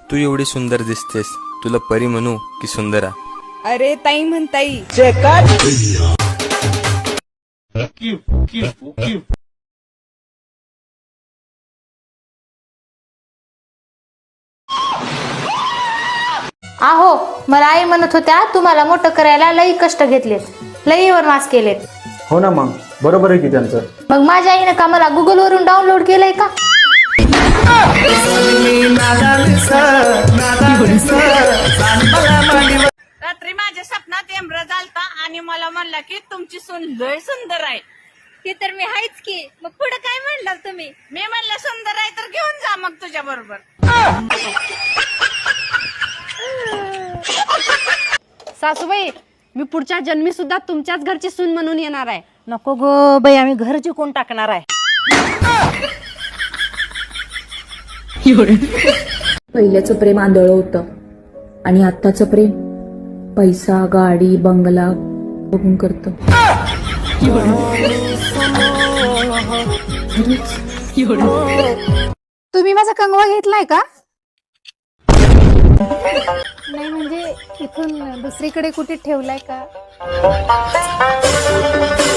तू एवढी सुंदर दिसतेस, तुला परी म्हणू की सुंदरा? अरे ताई म्हणताई. आहो, मला आई म्हणत होत्या तुम्हाला मोठं करायला लई कष्ट घेतलेत, लई वनवास केलेत. हो ना, मग बरोबर आहे की त्यांचं. मग माझ्या आईनं का मला गुगल वरून डाउनलोड केलंय का? रात्री माझ्या स्वप्नात एम्ब्रज आलता आणि मला म्हणला की तुमची सून लय सुंदर आहे. ती तर मी हायच की. मग पुढे काय म्हणला तुम्ही? मी म्हणलं सुंदर आहे तर घेऊन जा मग तुझ्या बरोबर. सासूबाई, मी पुढच्या जन्मी सुद्धा तुमच्याच घरची सून म्हणून येणार आहे. नको गो बाई, आम्ही घर जिंकून टाकणार आहे. पहिल्याचं प्रेम आंधळ होतं आणि आत्ताचं प्रेम पैसा, गाडी, बंगला बघून करतं. तुम्ही माझा कंगवा घेतलाय का? नाही म्हणजे इथून दुसरीकडे कुठे ठेवलाय का?